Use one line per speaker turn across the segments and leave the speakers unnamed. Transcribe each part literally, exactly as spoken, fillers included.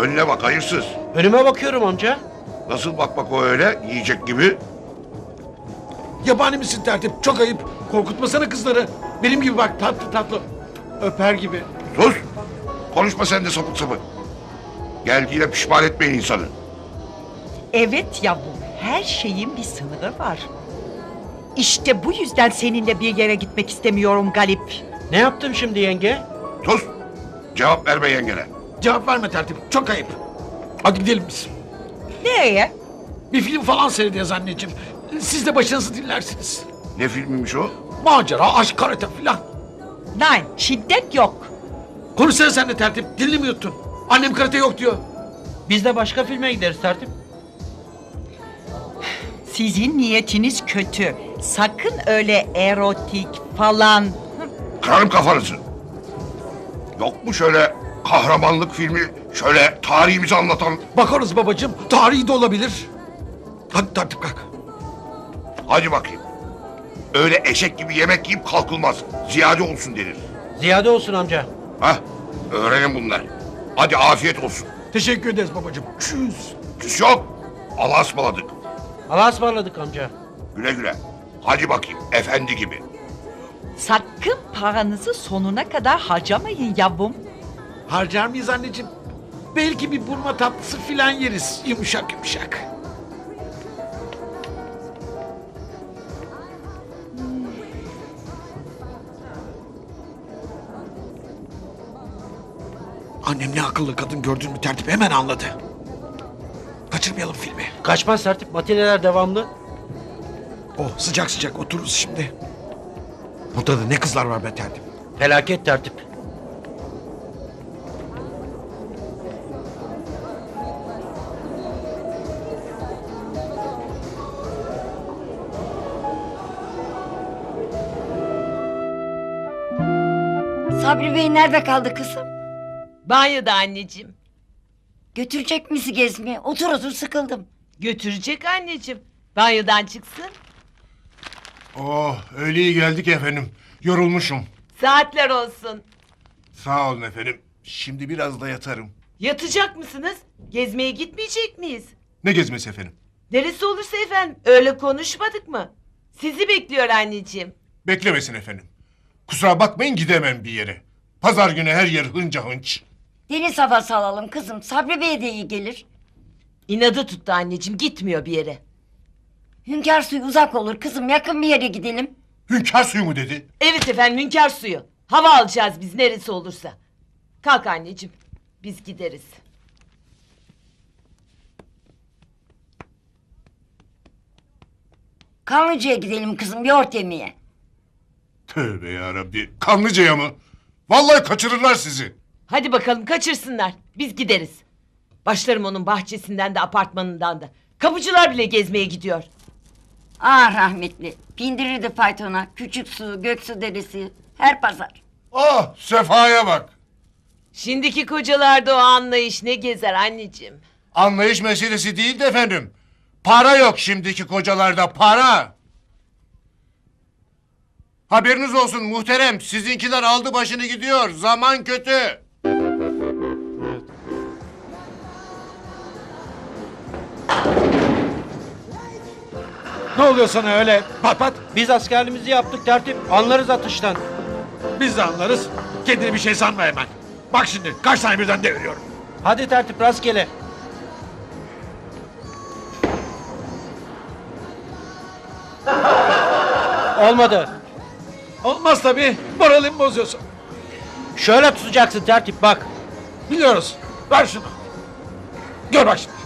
Önüne bak hayırsız.
Önüme bakıyorum amca.
Nasıl bakmak o öyle yiyecek gibi?
Yabani misin tertip? Çok ayıp. Korkutmasana kızları. Benim gibi bak tatlı tatlı. Öper gibi.
Sus! Konuşma sen de sapık sapık. Geldiğine pişman etmeyin insanı.
Evet yavrum, her şeyin bir sınırı var. İşte bu yüzden seninle bir yere gitmek istemiyorum Galip.
Ne yaptım şimdi yenge?
Sus! Cevap verme yengene.
Cevap verme tertip. Çok ayıp. Hadi gidelim biz.
Nereye?
Bir film falan seyredeceğiz anneciğim. Siz de başınızı dinlersiniz.
Ne filmiymiş o?
Macera, aşk, karate filan.
Nein, şiddet yok.
Konuşsana sen de tertip. Dilini mi yuttun? Annem karate yok diyor.
Biz de başka filme gideriz tertip.
Sizin niyetiniz kötü. Sakın öyle erotik falan.
Kırarım kafanızı. Yok mu şöyle kahramanlık filmi, şöyle tarihimizi anlatan?
Bakarız babacığım. Tarihi de olabilir. Hadi tertip kalk.
Hadi bakayım. Öyle eşek gibi yemek yiyip kalkılmaz. Ziyade olsun denir.
Ziyade olsun amca.
Hah, öğrenin bunlar. Hadi afiyet olsun.
Teşekkür ederiz babacığım. Çüz.
Küs yok. Allah'a ısmarladık.
Allah'a ısmarladık amca.
Güle güle. Hadi bakayım, efendi gibi.
Sakın paranızı sonuna kadar harcamayın yavrum.
Harcar mıyız anneciğim? Belki bir burma tatlısı filan yeriz. Yumuşak yumuşak. Annem ne akıllı kadın gördün mü tertip hemen anladı. Kaçırmayalım filmi.
Kaçmaz tertip, matineler devamlı.
Oh sıcak sıcak otururuz şimdi. Burada da ne kızlar var be tertip.
Felaket tertip.
Sabri Bey nerede kaldı kızım?
Banyoda anneciğim.
Götürecek misin gezmeye? Otur otur sıkıldım.
Götürecek anneciğim. Banyodan çıksın.
Oh, öyle iyi geldik efendim. Yorulmuşum.
Saatler olsun.
Sağ olun efendim. Şimdi biraz da yatarım.
Yatacak mısınız? Gezmeye gitmeyecek miyiz?
Ne gezmesi efendim?
Neresi olursa efendim. Öyle konuşmadık mı? Sizi bekliyor anneciğim.
Beklemesin efendim. Kusura bakmayın gidemem bir yere. Pazar günü her yer hınca hınç.
Deniz havası alalım kızım. Sabri Bey'e de iyi gelir.
İnadı tuttu anneciğim. Gitmiyor bir yere.
Hünkâr suyu uzak olur kızım. Yakın bir yere gidelim.
Hünkâr suyu mu dedi?
Evet efendim hünkâr suyu. Hava alacağız biz neresi olursa. Kalk anneciğim. Biz gideriz.
Kanlıca'ya gidelim kızım. Yoğurt yemeye.
Tövbe yarabbi. Kanlıca'ya mı? Vallahi kaçırırlar sizi.
Hadi bakalım kaçırsınlar. Biz gideriz. Başlarım onun bahçesinden de apartmanından da. Kapıcılar bile gezmeye gidiyor.
Ah rahmetli. Pindirirdi faytona. Küçük su, Göksu deresi. Her pazar.
Ah, sefaya bak.
Şimdiki kocalarda o anlayış ne gezer anneciğim.
Anlayış meselesi değil de efendim. Para yok şimdiki kocalarda, para. Haberiniz olsun muhterem. Sizinkiler aldı başını gidiyor. Zaman kötü.
Ne oluyor sana öyle pat pat?
Biz askerliğimizi yaptık tertip, anlarız atıştan.
Biz de anlarız. Kendini bir şey sanma hemen. Bak şimdi kaç tane birden deviriyorum.
Hadi tertip rastgele. Olmadı.
Olmaz tabii. Moralimi bozuyorsun.
Şöyle tutacaksın tertip bak.
Biliyoruz. Ver şunu. Gör bak şimdi.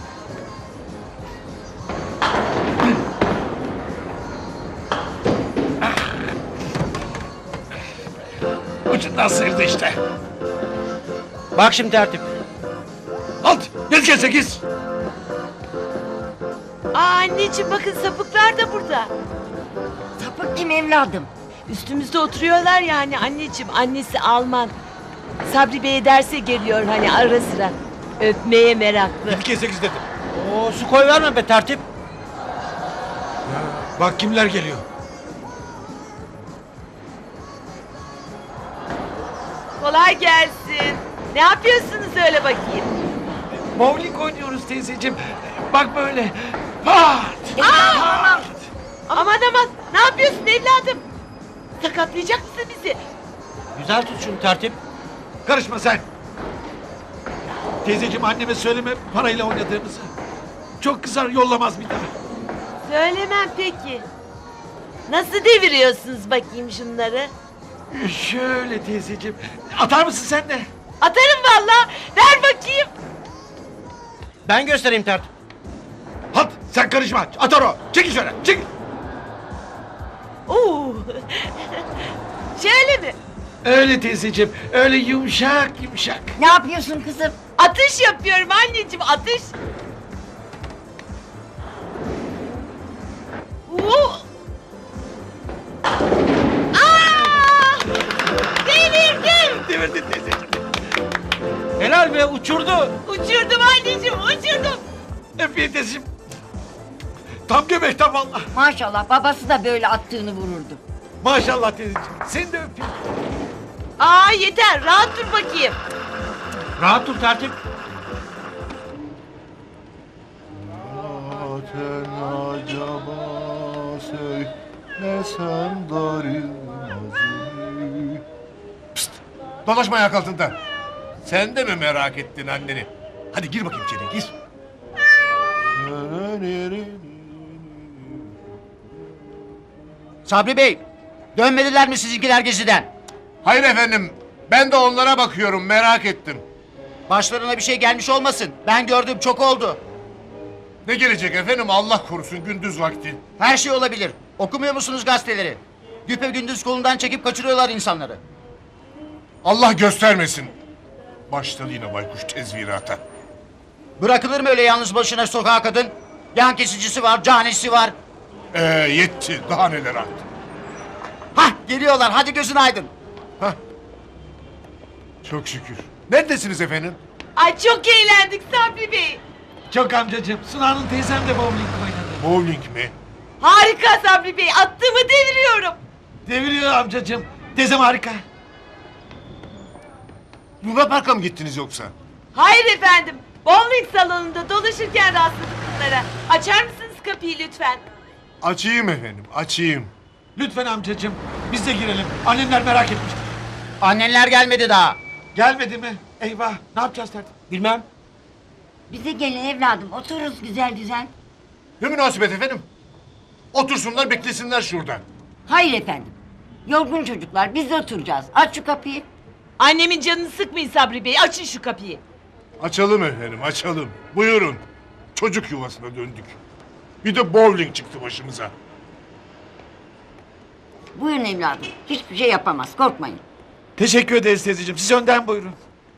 Ucundan sıyırdı işte.
Bak şimdi tertip.
Alt. Yüz kez sekiz.
Aa anneciğim bakın sapıklar da burada.
Sapık kim evladım?
Üstümüzde oturuyorlar yani anneciğim. Annesi Alman. Sabri Bey'e derse geliyor hani ara sıra. Öpmeye meraklı.
Yedi kez sekiz dedim.
Oo, su koy verme be tertip.
Bak kimler geliyor.
Kolay gelsin. Ne yapıyorsunuz öyle bakayım?
Bowling oynuyoruz teyzeciğim. Bak böyle. Pat!
Aman aman ne yapıyorsun evladım? Sakatlayacak mısın bizi?
Güzel tut şunu tertip.
Karışma sen. Teyzeciğim anneme söyleme parayla oynadığımızı. Çok kızar yollamaz bir daha.
Söylemem peki. Nasıl deviriyorsunuz bakayım şunları?
Şöyle teyzeciğim. Atar mısın sen de?
Atarım valla. Ver bakayım.
Ben göstereyim tertip.
Hat sen karışma. Atar o. Çekil şöyle. Çekil.
Oo. Şöyle mi?
Öyle teyzeciğim. Öyle yumuşak yumuşak.
Ne yapıyorsun kızım?
Atış yapıyorum anneciğim atış. Oo. Aa! Devirdim.
Devirdin teyzeciğim.
Helal be uçurdu.
Uçurdum anneciğim uçurdum.
Öpeyim teyzeciğim. Tam göbekten valla.
Maşallah babası da böyle attığını vururdu.
Maşallah teyzeciğim. Seni de öpeyim.
Aa yeter rahat dur bakayım.
Rahat dur tertip.
Zaten acaba söylesem darılmazı. Pst! Dolaşma ayak altında. Sen de mi merak ettin anneni? Hadi gir bakayım içeri, gir.
Sabri Bey, dönmediler mi sizinkiler geziden?
Hayır efendim, ben de onlara bakıyorum, merak ettim.
Başlarına bir şey gelmiş olmasın. Ben gördüm, çok oldu.
Ne gelecek efendim, Allah korusun gündüz vakti.
Her şey olabilir. Okumuyor musunuz gazeteleri? Güpe gündüz kolundan çekip kaçırıyorlar insanları.
Allah göstermesin. Başladı yine baykuş tezvirata.
Bırakılır mı öyle yalnız başına sokağa kadın? Yan kesicisi var, canisi var.
Ee, yetti, daha neler artık.
Hah, geliyorlar, hadi gözün aydın.
Çok şükür. Neredesiniz efendim?
Ay çok eğlendik Sabri Bey.
Çok amcacığım. Sunan'ın teyzem de bowling oynadı.
Bowling mi?
Harika Sabri Bey attığımı deviriyorum.
Deviriyor amcacığım. Teyzem harika.
Luna Park'a mı gittiniz yoksa?
Hayır efendim. Bowling salonunda dolaşırken rastladık bunlara. Açar mısınız kapıyı lütfen?
Açayım efendim, açayım.
Lütfen amcacığım. Biz de girelim. Annemler merak etmiştir.
Annenler gelmedi daha.
Gelmedi mi? Eyvah. Ne yapacağız tertip?
Bilmem.
Bize gelin evladım otururuz güzel güzel.
Ne münasebet efendim? Otursunlar, beklesinler şurada.
Hayır efendim. Yorgun çocuklar biz de oturacağız. Aç şu kapıyı.
Annemin canını sıkmayın Sabri Bey. Açın şu kapıyı.
Açalım efendim, açalım. Buyurun. Çocuk yuvasına döndük. Bir de bowling çıktı başımıza.
Buyurun evladım. Hiçbir şey yapamaz korkmayın.
Teşekkür ederiz teyzeciğim. Siz önden buyurun.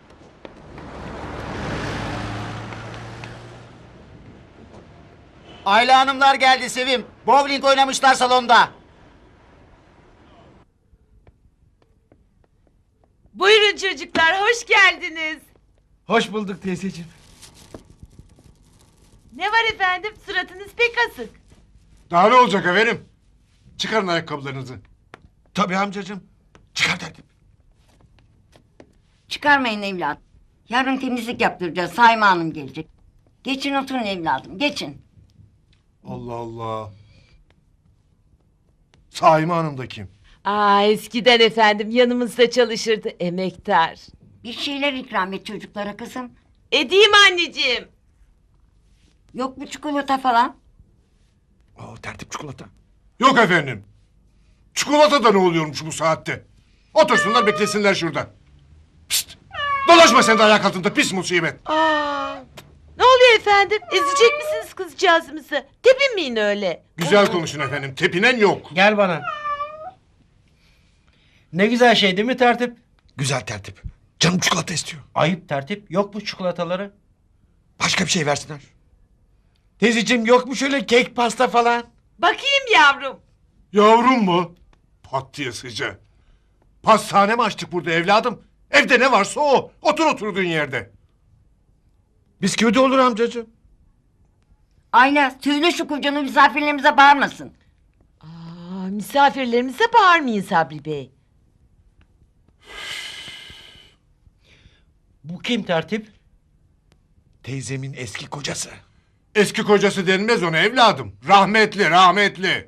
Ayla hanımlar geldi Sevim. Bowling oynamışlar salonda.
Buyurun çocuklar hoş geldiniz.
Hoş bulduk teyzeciğim.
Ne var efendim? Suratınız pek asık.
Daha ne olacak efendim? Çıkarın ayakkabılarınızı.
Tabii amcacığım. Çıkar tertip.
Çıkarmayın evladım. Yarın temizlik yaptıracağız. Sayma Hanım gelecek. Geçin oturun evladım geçin.
Allah Allah. Saime Hanım da kim?
Aa eskiden efendim yanımızda çalışırdı emektar.
Bir şeyler ikram et çocuklara kızım.
Edeyim anneciğim.
Yok mu çikolata falan?
Oo, tertip çikolata.
Yok efendim. Çikolata da ne oluyormuş bu saatte? Otursunlar, beklesinler şurada. Pişt! Dolaşma sen de ayak altında, pis musibet.
Aa, ne oluyor efendim? Ezecek misiniz kızcağızımızı? Tepinmeyin öyle.
Güzel konuşun efendim, tepinen yok.
Gel bana. Ne güzel şey değil mi tertip?
Güzel tertip. Canım çikolata istiyor.
Ayıp tertip. Yok bu çikolataları.
Başka bir şey versinler. Teyzeciğim yok mu şöyle kek pasta falan?
Bakayım yavrum.
Yavrum mu? Pat diye sıca. Pastane mi açtık burada evladım? Evde ne varsa o. Otur oturduğun yerde.
Bisküvi de olur amcacığım.
Ayla söyle şu kocanı misafirlerimize bağırmasın.
Aa, misafirlerimize bağırmayın Sabri Bey.
Bu kim tertip?
Teyzemin eski kocası.
Eski kocası denmez ona evladım. Rahmetli rahmetli.